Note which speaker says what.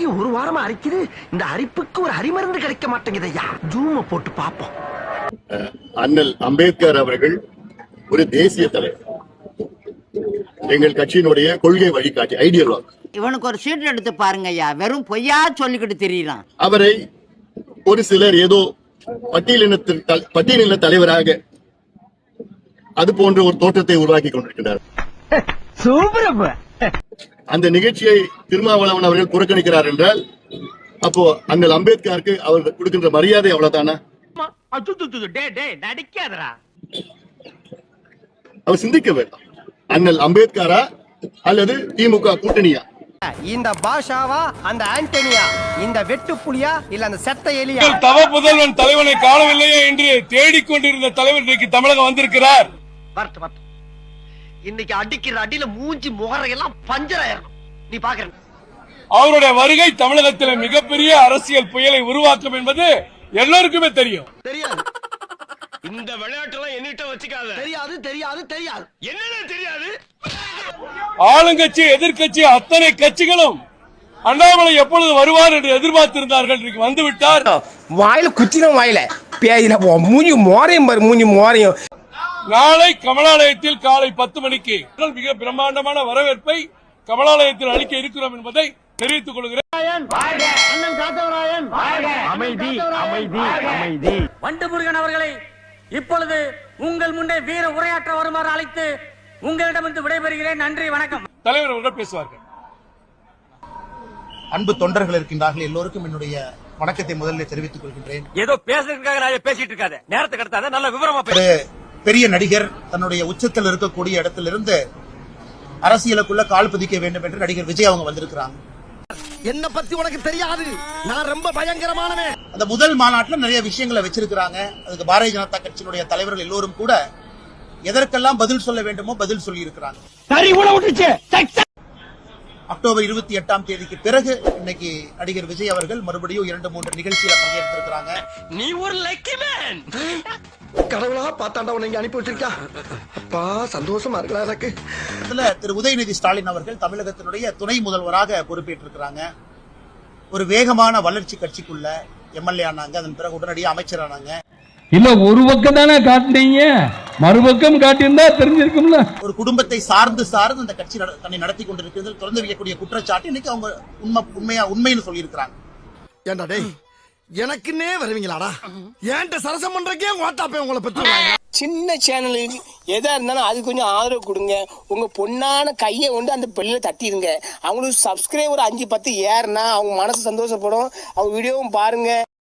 Speaker 1: ஒரு வாரமா அரிக்குது. இந்த அரிப்புக்கு ஒரு அரிமருந்து கிடைக்க மாட்டேங்குது ஐயா. ஜூம போட்டு பாப்போம்.
Speaker 2: அண்ணல் அம்பேத்கர் அவர்கள் ஒரு தேசிய தலைவர், எங்கள் கட்சியினுடைய கொள்கை வழிகாட்டி, ஐடியாலஜி.
Speaker 3: இவனுக்கு ஒரு சீட் எடுத்து பாருங்க ஐயா, வெறும் பொய்யா சொல்லிக்கிட்டு தெரியலாம்.
Speaker 2: அவரை ஒரு சிலர் ஏதோ பட்டியலின தலைவராக அது போன்ற ஒரு தோற்றத்தை உருவாக்கி கொண்டிருக்கிறார். அந்த நிகழ்ச்சியை திருமாவளவன் அவர்கள் புறக்கணிக்கிறார் என்றால் அப்போ அண்ணல் அம்பேத்கருக்கு அவர் கொடுக்கின்ற மரியாதை அவ்வளவுதானா? அவர் சிந்திக்க வேண்டாம். அண்ணல் அம்பேத்கரா அல்லது திமுக கூட்டணியா?
Speaker 4: இந்த பாஷாவா அந்த ஆண்டனியா, இந்த வெட்டு புலியா இல்ல அந்த செத்த எலியா?
Speaker 5: தவ புதல்வன் தலைவனை காணவில்லையே என்று தேடிக்கொண்டிருந்த தலைவர் இன்றைக்கு தமிழகம் வந்திருக்கிறார்.
Speaker 1: இன்னைக்கு அடிக்கிற அடியில மூஞ்சி முகரையெல்லாம் பஞ்சராயிரும். நீ பாக்குற
Speaker 5: அவருடைய வருகை தமிழகத்தில் மிகப்பெரிய அரசியல் புயலை உருவாக்கும் என்பது எல்லோருக்குமே தெரியும்.
Speaker 1: தெரியாது.
Speaker 6: இந்த விளையாட்டுலாம் என்னிட்ட வச்சுக்காத.
Speaker 1: தெரியாது தெரியாது தெரியாது.
Speaker 6: என்னன்னு தெரியாது?
Speaker 5: ஆளுங்கட்சி எதிர்கட்சி அத்தனை கட்சிகளும் அண்ணாமலை எப்பொழுது வருவார் என்று எதிர்பார்த்திருந்தார்கள். இன்றைக்கு வந்துவிட்டார்.
Speaker 4: வாயில குச்சின வாயில பேயில மூஞ்சி மோரையும் பாரு, மூஞ்சி மோரையும்.
Speaker 5: நாளை கமலாலயத்தில் காலை 10 மணிக்கு மிக பிரம்மாண்டமான வரவேற்பை கமலாலயத்தில் அளிக்க இருக்கிறோம் என்பதை தெரிவித்துக் கொள்கிறேன்.
Speaker 1: அமைதி அமைதி அமைதி.
Speaker 7: வண்டுமுருகன் அவர்களை இப்பொழுது உங்கள் முன்னே வீர உரையாற்ற வருமாறு அழைத்து உங்களிடமிருந்து விடைபெறுகிறேன். நன்றி, வணக்கம்.
Speaker 5: தலைவர் அவர்கள் பேசுவார்கள்.
Speaker 8: அன்பு தொண்டர்கள் இருக்கின்றார்கள், எல்லோருக்கும் என்னுடைய வணக்கத்தை முதலில் தெரிவித்துக் கொள்கின்றேன்.
Speaker 6: ஏதோ பேசுறதுக்காக பேசிட்டு இருக்காத, நேரத்தை கடத்தாத, நல்ல விவரமா
Speaker 8: ஒரு பெரிய நடிகர் தன்னுடைய உச்சத்தில் இருக்கக்கூடிய இடத்திலிருந்து அரசியலுக்குள்ள கால் பதிக்க வேண்டும் என்று நடிகர் விஜய் அவங்க வந்திருக்கிறாங்க.
Speaker 1: என்ன பத்தி உனக்கு தெரியாது, நான் ரொம்ப பயங்கரமானவன்.
Speaker 8: அந்த முதல் மாநாட்டில் நிறைய விஷயங்களை வச்சிருக்கிறாங்க. அதுக்கு பாரதிய ஜனதா கட்சியினுடைய தலைவர்கள் எல்லோரும் கூட எதற்கெல்லாம் பதில் சொல்ல வேண்டுமோ பதில் சொல்லி இருக்கிறாங்க. அக்டோபர் 28ஆம் தேதிக்கு பிறகு இன்னைக்கு நடிகர் விஜய் அவர்கள் மறுபடியும் 2-3 நிகழ்ச்சியில பங்கேற்றிருக்கிறாங்க.
Speaker 6: நீ ஒரு லக்கி மேன்.
Speaker 1: கடவுளா பார்த்தாண்டா உன்னை அனுப்பி வச்சிருக்கா. அப்பா சந்தோஷமா இருக்கலாம் எனக்கு.
Speaker 8: இதுல திரு உதயநிதி ஸ்டாலின் அவர்கள் தமிழகத்தினுடைய துணை முதல்வராக பொறுப்பேற்றிருக்கிறாங்க. ஒரு வேகமான வளர்ச்சி கட்சிக்குள்ள எம்எல்ஏ ஆனாங்க, அதன் பிறகு உடனடியாக அமைச்சர் ஆனாங்க.
Speaker 9: இல்ல ஒரு பக்கம் தானே காட்டுனீங்க, மறுபக்கம் காட்டியிருந்தா தெரிஞ்சிருக்கும்ல.
Speaker 8: ஒரு குடும்பத்தை சார்ந்து அந்த கட்சி தன்னை நடத்தி கொண்டிருக்கிறது தொடர்ந்து வைக்கக்கூடிய குற்றச்சாட்டு இன்னைக்கு அவங்க உண்மைன்னு சொல்லி இருக்கிறாங்க.
Speaker 1: ஏண்டா டேய், எனக்குன்னே வருவீங்களாடா? ஏன்ட்ட சரசம் பண்றக்கே வாட்டாப்பே உங்களை பத்தி.
Speaker 4: சின்ன சேனலுக்கு எதா இருந்தாலும் அது கொஞ்சம் ஆதரவு கொடுங்க. உங்க பொண்ணான கையை கொண்டு அந்த பெல்ல தட்டிடுங்க. அவங்களுக்கு சப்ஸ்கிரைபர் 5-10 ஏறுனா அவங்க மனசு சந்தோஷப்படும். அவங்க வீடியோவும் பாருங்க.